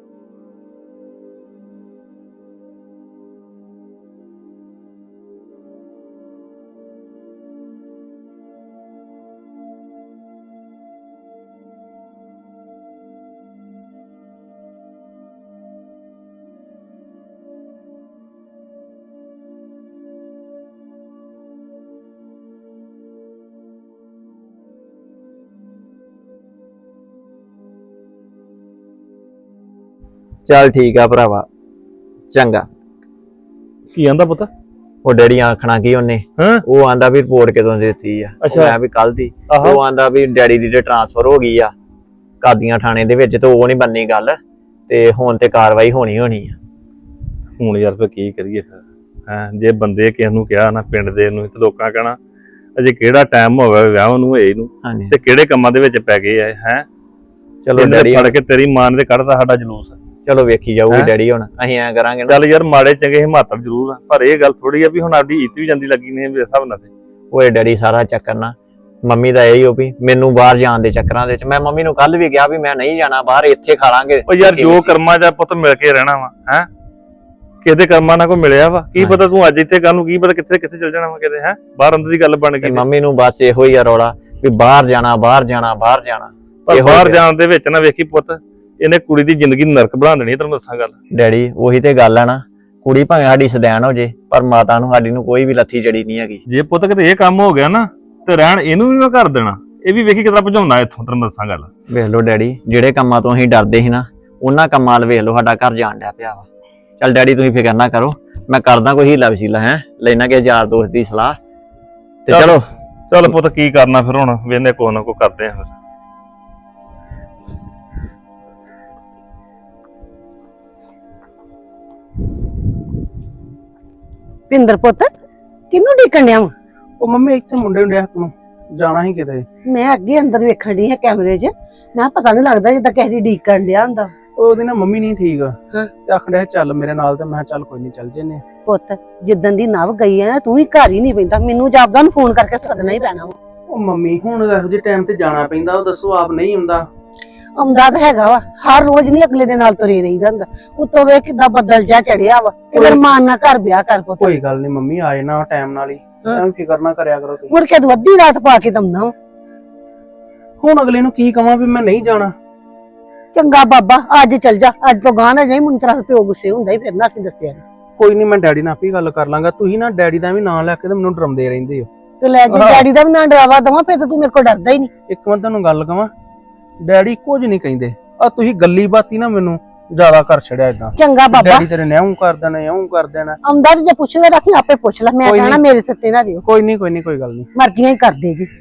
ਚੱਲ ਠੀਕ ਆ ਭਰਾਵਾ ਚੰਗਾ
ਕੀ ਆਂਦਾ ਪੁੱਤ
ਉਹ ਡੈਡੀ ਆਖਣਾ ਕੀ ਉਹਨੇ
ਹਾਂ
ਉਹ ਆਂਦਾ ਵੀ ਰਿਪੋਰਟ ਕਦੋਂ ਦੀ ਦਿੱਤੀ ਆ ਉਹ
ਅੱਛਾ।
ਮੈਂ ਵੀ ਕੱਲ ਦੀ
ਆਹੋ
ਉਹ ਆਂਦਾ ਵੀ ਡੈਡੀ ਦੀ ਤੇ ਟ੍ਰਾਂਸਫਰ ਹੋ ਗਈ ਆ ਕਾਦੀਆਂ ਥਾਣੇ ਦੇ ਵਿੱਚ ਤੇ ਉਹ ਨਹੀਂ ਬੰਨੀ ਗੱਲ ਤੇ ਹੁਣ ਤੇ ਕਾਰਵਾਈ ਹੋਣੀ ਹੋਣੀ ਆ।
ਹੁਣ ਯਾਰ ਫਿਰ ਕੀ ਕਰੀਏ ਫਿਰ ਹੈਂ ਜੇ ਬੰਦੇ ਕਿਸੇ ਨੂੰ ਕਿਹਾ ਨਾ ਪਿੰਡ ਦੇ ਨੂੰ ਤੇ ਲੋਕਾਂ ਕਹਿਣਾ ਅਜੇ ਕਿਹੜਾ ਟਾਈਮ ਹੋਵੇ ਵਿਆਹ ਨੂੰ ਹੋਏ ਨੂੰ
ਹਾਂਜੀ
ਤੇ ਕਿਹੜੇ ਕੰਮਾਂ ਦੇ ਵਿੱਚ ਪੈ ਗਏ ਆ ਹੈ।
ਚਲੋ ਡੈਡੀ
ਫੜ ਕੇ ਤੇਰੀ ਮਾਂ ਨੇ ਤੇ ਕੱਢਦਾ ਸਾਡਾ ਜਲੂਸ।
ਚਲੋ ਵੇਖੀ ਜਾਊਗੀ
ਹੈਂ?
ਡੈਡੀ ਹੁਣ ਅਸੀਂ ਐਂ ਕਰਾਂਗੇ ਨਾ।
ਚੱਲ ਯਾਰ ਮਾੜੇ ਚੰਗੇ ਹਿਮਾਤਰ ਜ਼ਰੂਰ ਆ ਪਰ ਇਹ ਗੱਲ ਥੋੜੀ ਆ ਵੀ ਹੁਣ ਸਾਡੀ ਇੱਜ਼ਤ ਵੀ ਜਾਂਦੀ ਲੱਗੀ ਨੇ ਮੇਰੇ ਹਿਸਾਬ ਨਾਲ ਤੇ।
ਓਏ ਡੈਡੀ ਸਾਰਾ ਚੱਕਰ ਨਾ ਮੰਮੀ ਦਾ ਇਹੀ ਹੋ ਵੀ ਮੈਨੂੰ ਬਾਹਰ ਜਾਣ ਦੇ ਚੱਕਰਾਂ ਦੇ ਵਿੱਚ ਮੈਂ ਮੰਮੀ ਨੂੰ ਕੱਲ ਵੀ ਕਿਹਾ ਵੀ ਮੈਂ ਨਹੀਂ ਜਾਣਾ ਬਾਹਰ, ਇੱਥੇ ਖਾ ਲਾਂਗੇ।
ਉਹ ਯਾਰ ਜੋ ਕਰਮਾਂ ਦਾ ਪੁੱਤ ਮਿਲ ਕੇ ਰਹਿਣਾ ਵਾ ਹੈ ਕਿਤੇ ਕਰਮਾਂ ਨਾਲ ਕੋਈ ਮਿਲਿਆ ਵਾ ਕੀ ਪਤਾ ਤੂੰ ਅੱਜ ਇੱਥੇ ਕੱਲ ਨੂੰ ਕੀ ਪਤਾ ਕਿੱਥੇ ਕਿੱਥੇ ਚੱਲ ਜਾਣਾ ਵਾ ਕਿਤੇ ਹੈ ਬਾਹਰ ਅੰਦਰ ਦੀ ਗੱਲ ਬਣ ਗਈ।
ਮੰਮੀ ਨੂੰ ਬਸ ਇਹੋ ਹੀ ਆ ਰੌਲਾ ਵੀ ਬਾਹਰ ਜਾਣਾ ਬਾਹਰ ਜਾਣਾ ਬਾਹਰ ਜਾਣਾ।
ਪਰ ਬਾਹਰ ਜਾਣ ਦੇ ਵਿੱਚ ਨਾ ਵੇਖੀ ਪੁੱਤ ਇਹਨੇ ਕੁੜੀ ਦੀ ਜ਼ਿੰਦਗੀ ਨਰਕ ਬਣਾ ਦੇਣੀ ਤੈਨੂੰ ਦੱਸਾਂ ਗੱਲ।
ਡੈਡੀ ਉਹੀ ਤੇ ਗੱਲ ਆ ਨਾ, ਕੁੜੀ ਭਾਵੇਂ ਸਾਡੀ ਸਦੈਣ ਹੋ ਜੇ ਪਰ ਮਾਤਾ ਨੂੰ ਸਾਡੀ ਨੂੰ ਕੋਈ ਵੀ ਲੱਥੀ ਚੜੀ ਨਹੀਂ ਹੈਗੀ।
ਜੇ ਪੁੱਤ ਕਿਤੇ ਇਹ ਕੰਮ ਹੋ ਗਿਆ ਨਾ ਤੇ ਰਹਿਣ ਇਹਨੂੰ ਵੀ ਮੈਂ ਕਰ ਦੇਣਾ। ਇਹ ਵੀ ਵੇਖੀ ਕਿਤਨਾ ਭਜਾਉਣਾ ਇੱਥੋਂ ਤੈਨੂੰ ਦੱਸਾਂ ਗੱਲ।
ਵੇਖ ਲਓ ਡੈਡੀ ਜਿਹੜੇ ਕੰਮਾਂ ਤੋਂ ਅਸੀਂ ਡਰਦੇ ਸੀ ਨਾ ਉਹਨਾਂ ਕੰਮਾਂ ਵੱਲ ਵੇਖ ਲਓ ਸਾਡਾ ਘਰ ਜਾਣ ਡਿਆ ਪਿਆ ਵਾ। ਚੱਲ ਡੈਡੀ ਤੁਸੀਂ ਫਿਕਰ ਨਾ ਕਰੋ, ਮੈਂ ਕਰਦਾ ਕੋਈ ਹੀਲਾ ਵਸੀਲਾ ਹੈ ਲੈਣਾ ਕਿ ਯਾਰ ਦੋਸਤ ਦੀ ਸਲਾਹ ਤੇ ਚਲੋ।
ਚੱਲ ਪੁੱਤ ਕੀ ਕਰਨਾ ਫਿਰ ਹੁਣ ਵੇਨੇ ਕੋ ਨਾ ਕੋ ਕਰਦੇ ਆ ਫਿਰ।
ਪਿੰਦਰ ਪੁੱਤ ਕਿਹਨੂੰ ਢੀਕਣ ਡਿਆ ਵਾਂ?
ਉਹ ਮੰਮੀ ਇੱਥੇ ਮੁੰਡੇ ਨੂੰ ਡਿਆ ਨੂੰ ਜਾਣਾ ਹੀ ਕਿਤੇ।
ਮੈਂ ਅੱਗੇ ਅੰਦਰ ਵੇਖਣ ਡਈ ਹਾਂ ਕੈਮਰੇ 'ਚ, ਮੈਂ ਪਤਾ ਨਹੀਂ ਲੱਗਦਾ ਜਿੱਦਾਂ ਕਿਸੇ ਦੀ ਢੀਕਣ ਡਿਆ ਹੁੰਦਾ।
ਉਹਦੀ ਨਾ ਮੰਮੀ ਨਹੀਂ ਠੀਕ
ਹਾਂ।
ਤੇ ਆਖਣ ਡਿਆ ਚੱਲ ਮੇਰੇ ਨਾਲ ਤੇ ਮੈਂ ਕਿਹਾ ਚੱਲ ਕੋਈ ਨਹੀਂ ਚੱਲ ਜੰਨੇ।
ਪੁੱਤ ਜਿੱਦਣ ਦੀ ਨਵ ਗਈ ਹੈ ਨਾ ਤੂੰ ਵੀ ਘਰ ਹੀ ਨਹੀਂ ਪੈਂਦਾ, ਮੈਨੂੰ ਜਾਪਦਾ ਨੂੰ ਫੋਨ ਕਰਕੇ ਸੱਦਣਾ ਹੀ ਪੈਣਾ ਵਾ।
ਉਹ ਮੰਮੀ ਹੁਣ ਇਹੋ ਜਿਹੇ ਟਾਈਮ ਤੇ ਜਾਣਾ ਪੈਂਦਾ, ਉਹ ਦੱਸੋ ਆਪ ਨਹੀਂ ਹੁੰਦਾ।
ਆਉਂਦਾ ਤਾਂ ਹੈਗਾ ਵਾ, ਹਰ ਰੋਜ਼ ਨਹੀਂ ਅਗਲੇ ਦੇ ਨਾਲ ਤੁਰੇ ਰਹੀਦਾ ਹੁੰਦਾ। ਉੱਤੋਂ ਵੇਖ ਕਿੱਦਾਂ ਬੱਦਲ ਜਾ ਚੜਿਆ ਵਾ ਕਿ ਫਿਰ ਮਾਨ ਨਾ ਘਰ ਵਿਆਹ ਕਰ ਪੁੱਤ।
ਕੋਈ ਗੱਲ ਨਹੀਂ ਮੰਮੀ ਆਏ ਨਾ ਟਾਈਮ ਨਾਲ ਹੀ, ਐਵੇਂ ਫਿਕਰ ਨਾ ਕਰਿਆ ਕਰੋ ਤੁਸੀਂ।
ਮੁੜ ਕੇ ਤੂੰ ਅੱਧੀ ਰਾਤ ਪਾ ਕੇ ਦਮਨਾ ਵਾ।
ਹੁਣ ਅਗਲੇ ਨੂੰ ਕੀ ਕਵਾਂ ਵੀ ਮੈਂ ਨਹੀਂ ਜਾਣਾ।
ਚੰਗਾ ਬਾਬਾ ਅੱਜ ਚੱਲ ਜਾ, ਅੱਜ ਤੋਂ ਗਾਂ ਨਾ ਜਾਈ, ਮੈਨੂੰ ਤੇਰਾ ਪਿਓ ਗੁੱਸੇ ਹੁੰਦਾ ਹੀ ਫਿਰ ਨਾ ਅਸੀਂ ਦੱਸਿਆ ਨੀ।
ਕੋਈ ਨਹੀਂ ਮੈਂ ਡੈਡੀ ਨਾਲ ਆਪੇ ਗੱਲ ਕਰ ਲਾਂਗਾ। ਤੁਸੀਂ ਨਾ ਡੈਡੀ ਦਾ ਵੀ ਨਾਂ ਲੈ ਕੇ ਤੇ ਮੈਨੂੰ ਡਰਾਉਂਦੇ ਰਹਿੰਦੇ ਹੋ।
ਤੇ ਲੈ ਜੇ ਡੈਡੀ ਦਾ ਵੀ ਨਾ ਡਰਾਵਾ ਦਵਾਂ ਫਿਰ ਤਾਂ ਤੂੰ ਮੇਰੇ ਕੋਲ ਡਰਦਾ ਹੀ ਨਹੀਂ।
ਇੱਕ ਮੈਂ ਤੁਹਾਨੂੰ ਗੱਲ ਕਵਾਂ, ਡੈਡੀ ਕੁਝ ਨਹੀਂ ਕਹਿੰਦੇ, ਆ ਤੁਸੀਂ ਗੱਲੀ ਬਾਤੀ ਨਾ ਮੈਨੂੰ ਜ਼ਿਆਦਾ ਕਰ ਛੜਿਆ ਇਦਾਂ।
ਚੰਗਾ ਬਾਬਾ
ਡੈਡੀ ਤੇਰੇ ਨੇ ਇਉਂ ਕਰ ਦੇਣਾ ਇਉਂ ਕਰ ਦੇਣਾ।
ਆਉਂਦਾ ਤੇ ਜੇ ਪੁੱਛਦਾ ਰੱਖੀ ਆਪੇ ਪੁੱਛ ਲੈ, ਮੈਂ
ਕੋਈ
ਕਹਿਣਾ
ਨੀ।
ਮੇਰੇ ਸੱਤੇ ਨਾ ਦਿਓ,
ਕੋਈ ਨਹੀਂ ਕੋਈ ਨਹੀਂ ਕੋਈ ਗੱਲ ਨਹੀਂ।
ਮਰਜ਼ੀਆਂ ਹੀ ਕਰਦੇ ਜੀ।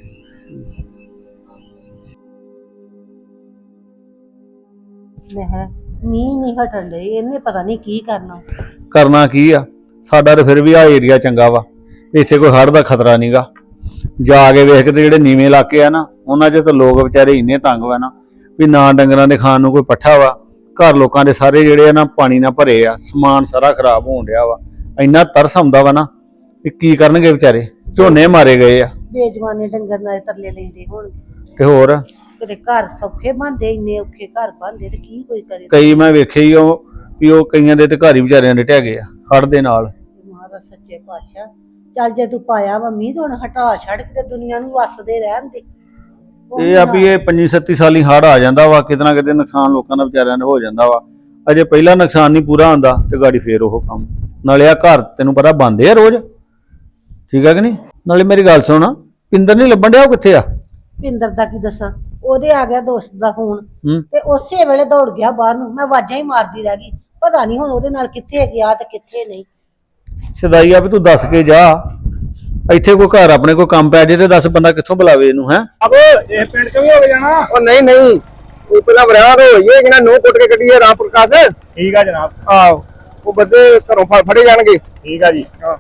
ਮੈਂ ਮੀਂਹ ਨਹੀਂ ਹਟਣ ਦੇ, ਇਹਨੇ ਪਤਾ ਨਹੀਂ ਕੀ ਕਰਨਾ।
ਕਰਨਾ ਕੀ ਆ, ਸਾਡਾ ਤਾਂ ਫਿਰ ਵੀ ਆ ਏਰੀਆ ਚੰਗਾ ਵਾ, ਇੱਥੇ ਕੋਈ ਹੜ੍ਹ ਦਾ ਖਤਰਾ ਨਹੀਂਗਾ। ਜਾ ਕੇ ਵੇਖ ਕੇ ਤੇ ਜਿਹੜੇ ਨੀਵੇਂ ਇਲਾਕੇ ਆ ਨਾ ਉਹਨਾਂ 'ਚ ਤਾਂ ਲੋਕ ਵਿਚਾਰੇ ਇੰਨੇ ਤੰਗ ਵਾ ਨਾ ਵੀ ਨਾ ਡੰਗਰਾਂ ਦੇ ਖਾਣ ਨੂੰ ਕੋਈ ਪੱਠਾ ਵਾ। ਘਰ ਲੋਕਾਂ ਦੇ ਸਾਰੇ ਜਿਹੜੇ ਆ ਨਾ ਪਾਣੀ ਨਾਲ ਭਰੇ ਆ, ਸਮਾਨ ਸਾਰਾ ਖਰਾਬ ਹੋਣ ਡਿਆ ਵਾ। ਇੰਨਾ ਤਰਸ ਆਉਂਦਾ ਵਾ ਨਾ ਵੀ ਕੀ ਕਰਨਗੇ ਵਿਚਾਰੇ, ਝੋਨੇ ਮਾਰੇ ਗਏ ਆ
ਬੇਜਵਾਨੇ ਡੰਗਰ ਨਾਲ ਤਰਲੇ ਲੈਂਦੇ ਹੁਣ
ਤੇ ਹੋਰ
ਤੇਰੇ ਘਰ ਸੌਖੇ ਬਣਦੇ, ਇੰਨੇ ਔਖੇ ਘਰ ਬਣਦੇ ਤੇ ਕੀ ਕੋਈ ਕਰੇ।
ਕਈ ਮੈਂ ਵੇਖੇ ਹੀ ਉਹ ਵੀ ਉਹ ਕਈਆਂ ਦੇ ਤੇ ਘਰ ਹੀ ਵਿਚਾਰਿਆਂ ਦੇ ਢਹਿ ਗਏ ਆ ਹੜ੍ਹ ਦੇ ਨਾਲ।
ਮਹਾਰਾਜ ਸੱਚੇ ਪਾਤਸ਼ਾਹ ਚੱਲ ਜੇ ਤੂੰ ਪਾਇਆ ਵਾ ਮੀਂਹ ਤੇ ਹੁਣ ਹਟਾ ਛੱਡ ਕੇ ਦੁਨੀਆ ਨੂੰ ਵਸਦੇ ਰਹਿਣ ਦੇ।
ਇਹ ਆ ਵੀ ਇਹ ਪੰਜੀ ਸੱਤੀ ਸਾਲੀ ਹੜ੍ਹ ਆ ਜਾਂਦਾ ਵਾ, ਕਿਤੇ ਨਾ ਕਿਤੇ ਨੁਕਸਾਨ ਲੋਕਾਂ ਦਾ ਵਿਚਾਰਿਆਂ ਦਾ ਹੋ ਜਾਂਦਾ ਵਾ। ਅਜੇ ਪਹਿਲਾ ਨੁਕਸਾਨ ਨਹੀਂ ਪੂਰਾ ਹੁੰਦਾ ਤੇ ਗਾੜੀ ਫੇਰ ਉਹ ਕੰਮ। ਨਾਲੇ ਆ ਘਰ ਤੈਨੂੰ ਪਤਾ ਬੰਦੇ ਆ ਰੋਜ਼, ਠੀਕ ਆ ਕਿ ਨਹੀਂ। ਨਾਲੇ ਮੇਰੀ ਗੱਲ ਸੁਣ, ਪਿੰਦਰ ਨਹੀਂ ਲੱਭਣ ਡਿਆ, ਉਹ ਕਿੱਥੇ ਆ?
ਪਿੰਦਰ ਦਾ ਕੀ ਦੱਸਾਂ, ਉਹਦੇ ਆ ਗਿਆ ਦੋਸਤ ਦਾ ਫੋਨ
ਹੂੰ।
ਤੇ ਉਸੇ ਵੇਲੇ ਦੌੜ ਗਿਆ ਬਾਹਰ ਨੂੰ, ਮੈਂ ਆਵਾਜ਼ਾਂ ਹੀ ਮਾਰਦੀ ਰਹਿ ਗਈ। ਪਤਾ ਨਹੀਂ ਹੁਣ ਉਹਦੇ ਨਾਲ ਕਿੱਥੇ ਗਿਆ ਤੇ ਕਿੱਥੇ ਨਹੀਂ।
ਸਦਾਈ ਆ ਵੀ ਤੂੰ ਦੱਸ ਕੇ ਜਾ, ਇੱਥੇ ਕੋਈ ਘਰ ਆਪਣੇ ਕੋਈ ਕੰਮ ਪੈ ਜੇ ਤੇ ਦੱਸ ਬੰਦਾ ਕਿੱਥੋਂ ਬੁਲਾਵੇ ਇਹਨੂੰ। ਹੈ
ਇਹ ਪਿੰਡ ਚ ਵੀ ਹੋ ਜਾਣਾ।
ਉਹ ਨਹੀਂ ਨਹੀਂ ਉਹ ਪਹਿਲਾਂ ਬਰਾਬਰ ਹੋਈਏ ਕਿ ਨਾ ਨੋ ਕੁੱਟ ਕੇ ਕੱਢੀਏ ਰਾਮ ਪ੍ਰਕਾਸ਼।
ਠੀਕ ਆ ਜਨਾਬ।
ਆਹੋ ਉਹ ਬੰਦੇ ਘਰੋਂ ਫੜ ਫੜੇ ਜਾਣਗੇ।
ਠੀਕ ਆ ਜੀ।
ਹਾਂ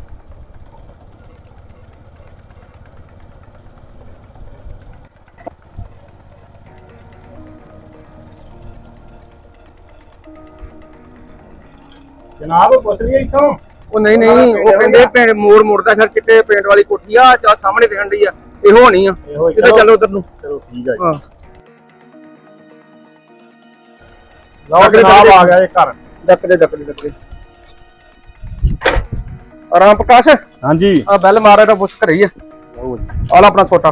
ਜਨਾਬ ਪੁੱਛ ਲਈ ਇੱਥੋਂ।
ਉਹ ਨਹੀਂ ਨਹੀਂ ਉਹ ਕਹਿੰਦੇ ਪਿੰਡ ਮੋੜ ਮੁੜਦਾ ਫਿਰ ਚਿੱਟੇ ਪੇਂਟ ਵਾਲੀ ਕੋਠੀ ਆ ਜਾਂ ਸਾਹਮਣੇ ਦਿਖਣ ਡਈ ਆ, ਇਹੋ ਹੋਣੀ ਆ। ਸਿੱਧਾ ਚੱਲੋ ਉਧਰ ਨੂੰ।
ਚਲੋ ਠੀਕ ਆ ਜੀ।
ਹਾਂ
ਲਓ ਜਨਾਬ ਆ ਗਿਆ ਇਹ ਘਰ।
ਡੱਕਦੇ ਡੱਕਦੇ ਡੱਕਦੇ ਰਾਮ ਪ੍ਰਕਾਸ਼
ਹਾਂਜੀ।
ਆ ਬੈਲ ਮਾਰਾ ਤਾਂ ਪੁੱਛ ਘਰੇ ਹੀ ਆ। ਆ ਲੈ ਆਪਣਾ ਛੋਟਾ।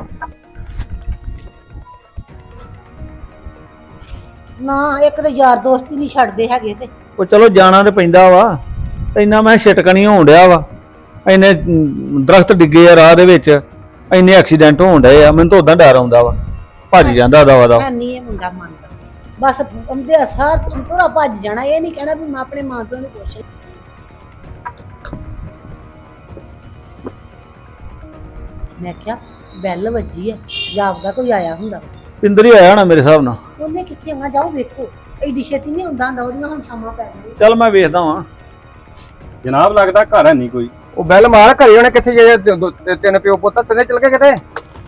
ਨਾ ਇੱਕ ਤੇ ਯਾਰ ਦੋਸਤ ਹੀ ਨਹੀਂ ਛੱਡਦੇ ਹੈਗੇ ਤੇ
ਉਹ ਚਲੋ ਜਾਣਾ ਤੇ ਪੈਂਦਾ ਵਾ, ਇੰਨਾ ਮੈਂ ਛਿਟਕ ਨਹੀਂ ਹੋਣ ਡਿਆ ਵਾ। ਇੰਨੇ ਅਮ, ਦਰਖਤ ਡਿੱਗੇ ਆ ਰਾਹ ਦੇ ਵਿੱਚ, ਇੰਨੇ ਐਕਸੀਡੈਂਟ ਹੋਣ ਡਏ ਆ, ਮੈਨੂੰ ਤਾਂ ਉਦਾਂ ਡਰ ਆਉਂਦਾ ਵਾ, ਭੱਜ ਜਾਂਦਾ ਦਵਾ ਦਾ।
ਮੈਂ ਨਹੀਂ ਇਹ ਮੁੰਡਾ ਮੰਨਦਾ, ਬਸ ਅੰਦੇ ਸਾਰ ਤੁਰਾ ਭੱਜ ਜਾਣਾ। ਇਹ ਨਹੀਂ ਕਹਿਣਾ ਵੀ ਮੈਂ ਆਪਣੇ ਮਾਂ ਪਿਓ ਨੂੰ ਪੁੱਛ। ਮੈਂ ਕਿਹਾ ਬੈਲ ਵੱਜੀ ਆ, ਜਾਪਦਾ ਕੋਈ ਆਇਆ ਹੁੰਦਾ।
ਪਿੰਦਰ ਹੀ ਆਇਆ ਨਾ ਮੇਰੇ ਹਿਸਾਬ ਨਾਲ।
ਉਹਨੇ ਕਿੱਥੇ ਆਉਣਾ, ਜਾਓ ਵੇਖੋ। ਐਡੀ ਛੇਤੀ ਨਹੀਂ ਹੁੰਦਾ ਹੁੰਦਾ, ਉਹਦੀਆਂ ਹੁਣ ਸ਼ਾਮਾਂ ਪੈ ਗਈਆਂ।
ਚੱਲ ਮੈਂ ਵੇਖਦਾ ਵਾਂ।
ਜਨਾਬ ਲੱਗਦਾ ਘਰ ਹੈ ਨਹੀਂ ਕੋਈ। ਉਹ ਬੈਲ ਮਾਰ, ਘਰੇ ਉਹਨੇ ਕਿੱਥੇ ਜੇ ਦ- ਦ- ਤਿੰਨ ਪਿਓ ਪੁੱਤ ਤਿੰਨੇ ਚਲ ਗਏ ਕਿਤੇ।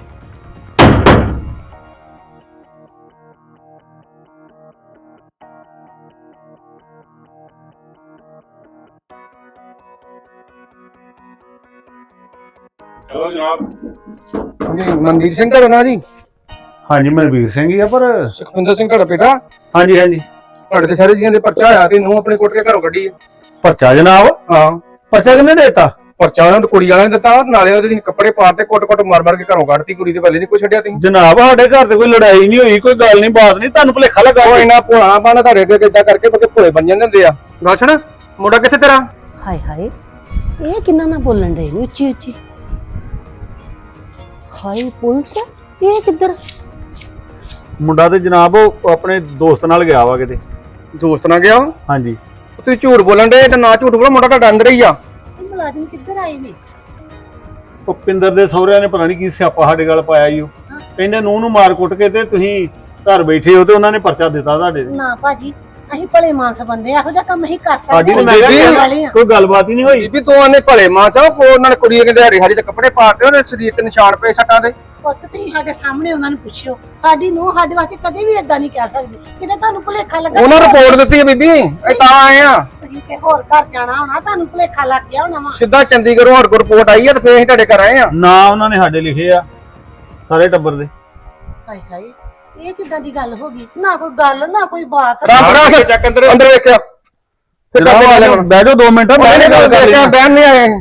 ਚਲੋ ਜਨਾਬ। ਜੀ ਮਨਦੀਪ ਸਿੰਘ ਘਰ ਨਾ ਜੀ?
ਹਾਂਜੀ ਮਨਵੀਰ ਸਿੰਘ ਹੀ ਆ, ਪਰ
ਸੁਖਵਿੰਦਰ ਸਿੰਘ ਘਰ ਬੇਟਾ?
ਹਾਂਜੀ ਹਾਂਜੀ।
ਤੁਹਾਡੇ ਤੇ ਸਾਰੇ ਜੀਆਂ ਦੇ ਪਰਚਾ ਆਇਆ ਤੇ ਨੂੰ ਆਪਣੇ ਕੁੱਟ ਕੇ ਘਰੋਂ ਕੱਢੀ ਹੈ।
ਪਰਚਾ ਜਨਾਬ?
ਹਾਂ
ਪਰਚਾ ਕਿਹਨੇ ਦੇਤਾ?
ਪਰਚਾ ਉਹਨਾਂ ਨੂੰ ਕੁੜੀ ਵਾਲਿਆਂ ਨੇ ਦਿੱਤਾ, ਨਾਲੇ ਉਹਦੇ ਕੱਪੜੇ ਪਾੜ ਤੇ ਕੁੱਟ-ਕੁੱਟ ਮਾਰ-ਮਾਰ ਕੇ ਘਰੋਂ ਕੱਢਤੀ। ਕੁੜੀ ਦੇ ਪਹਿਲੇ ਨਹੀਂ ਕੋਈ ਛੱਡਿਆ ਤੁਸੀਂ।
ਜਨਾਬ ਸਾਡੇ ਘਰ ਤੇ ਕੋਈ ਲੜਾਈ ਨਹੀਂ ਹੋਈ, ਕੋਈ ਗੱਲ ਨਹੀਂ, ਬਾਤ ਨਹੀਂ, ਤੁਹਾਨੂੰ ਭੁਲੇਖਾ ਲੱਗਾ।
ਉਹ ਇਹਨਾਂ ਭੋਲਾ ਪਾਣਾ ਤੁਹਾਡੇ ਅੱਗੇ ਕਿੱਦਾਂ ਕਰਕੇ ਬਕੇ ਭੋਲੇ ਬਣ ਜਾਂਦੇ ਹੁੰਦੇ ਆ। ਗੱਲ ਸੁਣ, ਮੁੰਡਾ ਕਿੱਥੇ ਤੇਰਾ?
ਹਾਏ ਹਾਏ, ਇਹ ਕਿੰਨਾ ਨਾ ਬੋਲਣ ਡਏ ਨੇ ਉੱਚੀ ਉੱਚੀ। ਹਾਏ ਪੁਲਿਸ, ਇਹ ਕਿੱਧਰ?
ਮੁੰਡਾ ਤੇ ਜਨਾਬ ਉਹ ਆਪਣੇ ਦੋਸਤ ਨਾਲ ਗਿਆ ਵਾ ਕਿਤੇ।
ਦੋਸਤ ਨਾਲ ਗਿਆ?
ਹਾਂਜੀ।
ਤੁਸੀਂ ਝੂਠ ਬੋਲਣ ਦੇ ਤੇ ਨਾ ਝੂਠ ਬੋਲੋ, ਮੁੰਡਾ ਤੁਹਾਡਾ ਅੰਦਰ ਹੀ ਆ।
ਇਹ ਮੁਲਾਜ਼ਮ ਕਿੱਧਰ ਆਏ ਨੇ?
ਉਹ ਪਿੰਦਰ ਦੇ ਸਹੁਰਿਆਂ ਨੇ ਪਤਾ ਨਹੀਂ ਕੀ ਸਿਆਪਾ ਸਾਡੇ ਗੱਲ ਪਾਇਆ ਈ। ਉਹ ਕਹਿੰਦੇ ਨੂੰਹ ਨੂੰ ਮਾਰ ਕੁੱਟ ਕੇ ਤੇ ਤੁਸੀਂ ਘਰ ਬੈਠੇ ਹੋ ਤੇ ਉਹਨਾਂ ਨੇ ਪਰਚਾ ਦਿੱਤਾ ਤੁਹਾਡੇ ਤੇ।
ਨਾ ਭਾਜੀ, ਅਸੀਂ ਭਲੇ ਮਾਨਸ ਬੰਦੇ, ਇਹੋ ਜਿਹਾ ਕੰਮ ਅਸੀਂ ਕਰ
ਸਾਡੀ
ਸਕਦੇ
ਤੇ ਮੈਂ
ਕਰਨ
ਕਿਹਾ
ਵਾਲੇ ਆ।
ਕੋਈ ਗੱਲਬਾਤ ਹੀ ਨਹੀਂ ਹੋਈ।
ਬੀਬੀ ਤੂੰ ਆਨੇ ਭਲੇ ਮਾਂ ਚਾ ਕੋ ਉਹਨਾਂ ਨੇ ਕੁੜੀ ਕਹਿੰਦੇ ਹਰੀ ਹਰੀ ਦੇ ਕੱਪੜੇ ਪਾੜਦੇ ਉਹਦੇ ਸਰੀਰ ਤੇ ਨਿਸ਼ਾਨ ਪਏ ਸੱਟਾਂ ਦੇ।
ਪੁੱਤ ਤੁਸੀਂ ਸਾਡੇ ਸਾਹਮਣੇ ਉਹਨਾਂ ਨੂੰ ਪੁੱਛਿਓ, ਸਾਡੀ ਨੂੰ ਸਾਡੇ ਵਾਸਤੇ ਕਦੇ ਵੀ ਏਦਾਂ ਨਹੀਂ ਕਹਿ ਸਕਦੀ। ਕਿਤੇ ਤੁਹਾਨੂੰ ਭੁਲੇਖਾ ਲੱਗਾ,
ਉਹਨਾਂ ਰਿਪੋਰਟ ਦਿੱਤੀ ਹੈ ਬੀਬੀ, ਇਹ ਤਾਂ ਆਏ ਆ।
ਤੁਸੀਂ ਕਿ ਹੋਰ ਘਰ ਜਾਣਾ ਹੋਣਾ, ਤੁਹਾਨੂੰ ਭੁਲੇਖਾ ਲੱਗ ਗਿਆ ਹੋਣਾ ਵਾ।
ਸਿੱਧਾ ਚੰਡੀਗੜ੍ਹੋਂ ਹਰ ਕੋ ਰਿਪੋਰਟ ਆਈ ਹੈ ਤੇ ਫੇਰ ਅਸੀਂ ਤੁਹਾਡੇ ਘਰ ਆਏ ਆ।
ਨਾ ਉਹਨਾਂ ਨੇ ਸਾਡੇ ਲਿਖੇ ਆ ਸਾਰੇ ਟੱਬਰ ਦੇ।
ਹਾਏ ਹਾਏ, ਇਹ ਕਿੱਦਾਂ ਦੀ ਗੱਲ ਹੋ ਗਈ? ਨਾ ਕੋਈ ਗੱਲ ਨਾ ਕੋਈ ਬਾਤ।
ਰੱਬ ਰੱਖ ਚੱਕ ਅੰਦਰ ਅੰਦਰ ਵੇਖਿਆ ਤੇ
ਜਨਾਬ
ਕਰਦੇ ਗੱਲ
ਬਹਿ ਜਾਓ ਦੋ ਮਿੰਟ,
ਮੈਂ ਗੱਲ ਕਰਕੇ ਬਹਿਣ ਨਹੀਂ ਆਏ।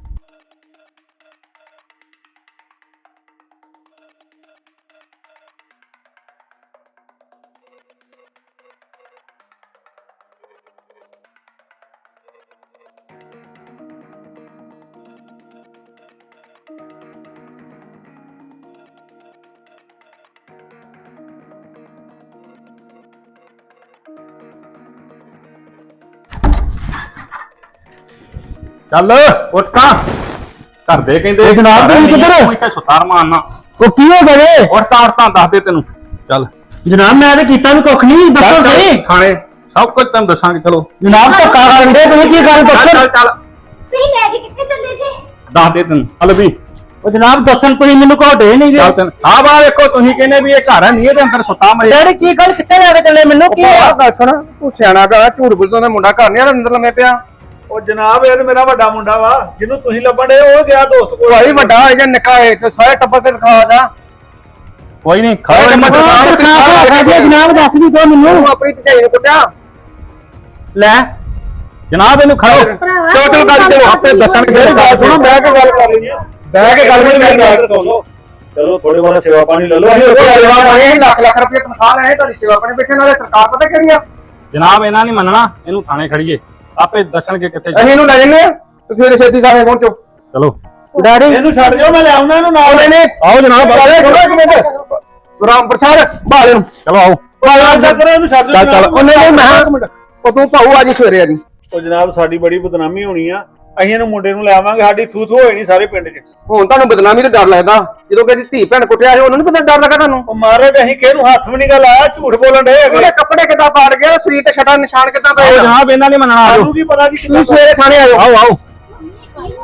ਚੱਲ ਉੱਠ ਤਾਂ ਘਰ ਦੇ ਕਹਿੰਦੇ
ਜਨਾਬ ਤੁਸੀਂ ਕਿੱਧਰ?
ਇੱਥੇ ਸੁਤਾਰ ਮਾਰਨਾ।
ਉਹ ਕੀ ਹੋ ਗਿਆ ਵੇ?
ਉੱਠ ਤਾਂ ਉੱਠ ਤਾਂ ਦੱਸ ਦੇ ਤੈਨੂੰ। ਚੱਲ
ਜਨਾਬ ਮੈਂ ਤੇ ਕੀਤਾ ਵੀ ਕੁੱਖ ਨਹੀਂ, ਦੱਸੋ
ਚੱਲ
ਸਹੀ।
ਥਾਣੇ ਸਭ ਕੁਝ ਤੈਨੂੰ ਦੱਸਾਂਗੇ। ਚਲੋ
ਜਨਾਬ ਧੱਕਾ ਕਰਨ ਦੇ, ਤੁਸੀਂ ਕੀ ਗੱਲ
ਚੱਲ
ਦੱਸੋ।
ਚੱਲ ਚੱਲ
ਤੁਸੀਂ ਲੈ ਕੇ ਕਿੱਥੇ ਚੱਲੇ ਜੇ?
ਦੱਸ ਦੇ ਤੈਨੂੰ। ਹਲ ਵੀ
ਉਹ ਜਨਾਬ ਦੱਸਣ ਤੁਸੀਂ ਮੈਨੂੰ ਘੋਟੇ ਨਹੀਂ
ਚੱਲ
ਗਏ।
ਤੈਨੂੰ ਆਹ ਬਾਹ ਵੇਖੋ, ਤੁਸੀਂ ਕਹਿੰਦੇ ਵੀ ਇਹ ਘਰ ਹੈ ਨਹੀਂ, ਇਹਦੇ ਅੰਦਰ ਸੁੱਤਾ ਮਰੇ।
ਡੈਡੀ ਕੀ ਗੱਲ, ਕਿੱਥੇ ਲੈ ਕੇ ਚੱਲੇ ਮੈਨੂੰ? ਕੀ
ਆਹ ਗੱਲ ਸੁਣ, ਤੂੰ ਸਿਆਣਾ ਪਿਆ, ਝੂਠ ਬੋਲਦਾ ਦਾ ਮੁੰਡਾ ਘਰ ਨਹੀਂ ਆ, ਅੰਦਰ ਲੰਮੇ ਪਿਆ।
ਉਹ ਜਨਾਬ ਇਹ ਤੇ ਮੇਰਾ ਵੱਡਾ ਮੁੰਡਾ ਵਾ, ਜਿਹਨੂੰ ਤੁਸੀਂ ਲੱਭਣ ਦੇ, ਉਹ ਗਿਆ ਦੋਸਤ ਕੋਲ।
ਭਾਈ ਵੱਡਾ ਹੈ ਜਾਂ ਨਿੱਕਾ ਹੈ ਤੇ ਸਾਰੇ ਟੱਬਰ ਤੇ ਦਿਖਾ ਜਾ।
ਕੋਈ ਨਹੀਂ
ਸਾਰੇ ਟੱਬਰ ਤੇ ਦਿਖਾ, ਦਿਖਾ ਕੇ
ਜਨਾਬ ਦੱਸ ਵੀ ਦੋ ਮੈਨੂੰ।
ਤੂੰ ਆਪਣੀ ਭਜਾਈ ਨੂੰ ਕੁੱਟਿਆ।
ਲੈ ਜਨਾਬ ਇਹਨੂੰ ਖੜੋ।
ਚਲੋ ਚਲੋ ਗੱਲ ਚਲੋ ਆਪੇ ਦੱਸਣਗੇ।
ਮੇਰੀ ਗੱਲ ਸੁਣੋ, ਬਹਿ ਕੇ ਗੱਲ ਕਰ ਲੈਣੀ ਆ।
ਬਹਿ ਕੇ ਗੱਲ ਨਹੀਂ ਕਰਨੀ।
ਚਲੋ ਥੋੜੇ ਬਹੁਤ ਸੇਵਾ ਪਾਣੀ ਲੈ ਲਓ।
ਅਸੀਂ ਲੱਖ ਲੱਖ ਰੁਪਏ ਤਨਖਾਹ ਲੈਣੇ, ਤੁਹਾਡੀ ਸੇਵਾ ਆਪਣੇ ਬੈਠੇ ਨਾਲੇ ਸਰਕਾਰ ਪਤਾ ਕਿਹੜੀ ਆ।
ਜਨਾਬ ਇਹਨਾਂ ਨਹੀਂ ਮੰਨਣਾ, ਇਹਨੂੰ ਥਾਣੇ ਖੜੀਏ, ਆਪੇ ਦੱਸਣਗੇ ਕਿੱਥੇ।
ਅਸੀਂ ਇਹਨੂੰ ਲੈ ਜੰਨੇ ਆ, ਤੁਸੀਂ ਇਹਦੇ ਛੇਤੀ ਸਾਰੇ ਪਹੁੰਚੋ।
ਚਲੋ ਡੈਡੀ ਇਹਨੂੰ ਛੱਡ ਜਾਓ, ਮੈਂ ਲੈ ਆਉਣਾ ਇਹਨੂੰ ਨਾਲ।
ਨਹੀਂ ਨਹੀਂ
ਆਓ ਜਨਾਬ,
ਰਾਮ ਪ੍ਰਸਾਦ ਬਾਲੇ ਨੂੰ
ਚਲੋ ਆਓ। ਇਹਨੂੰ ਛੱਡ
ਚੱਲ ਚੱਲ ਉਹਨੇ ਨਹੀਂ ਮੈਂ ਉਹ ਤੂੰ ਭਾਊ ਅੱਜ ਸਵੇਰੇ ਆ ਜੀ।
ਉਹ ਜਨਾਬ ਸਾਡੀ ਬੜੀ ਬਦਨਾਮੀ ਹੋਣੀ ਆ, ਅਸੀਂ ਇਹਨੂੰ ਮੁੰਡੇ ਨੂੰ ਲੈ ਆਵਾਂਗੇ, ਸਾਡੀ ਥੂ ਥੂ ਹੋਈ ਨਹੀਂ ਸਾਰੇ ਪਿੰਡ 'ਚ।
ਹੁਣ ਤੁਹਾਨੂੰ ਬਦਨਾਮੀ ਤੋਂ ਡਰ ਲੱਗਦਾ, ਜਦੋਂ ਕਿ ਧੀ ਭੈਣ ਕੁੱਟਿਆ ਸੀ ਉਹਨੂੰ ਨਹੀਂ ਪਤਾ ਡਰ ਲੱਗਾ ਤੁਹਾਨੂੰ।
ਉਹ ਮਹਾਰਾਜ ਅਸੀਂ ਕਿਹਨੂੰ ਹੱਥ ਵੀ ਨਹੀਂ ਗਾ ਲਾਇਆ, ਝੂਠ ਬੋਲਣ ਦੇ
ਉਹਦੇ ਕੱਪੜੇ ਕਿੱਦਾਂ ਪਾੜ ਗਏ, ਸਰੀਰ ਤੇ ਛਟਾ ਨਿਸ਼ਾਨ ਕਿੱਦਾਂ ਪਏ।
ਜਨਾਬ ਇਹਨਾਂ ਨੇ ਮੰਨਣਾ।
ਤੁਸੀਂ ਸਵੇਰੇ ਥਾਣੇ ਆਇਓ।
ਆਓ ਆਓ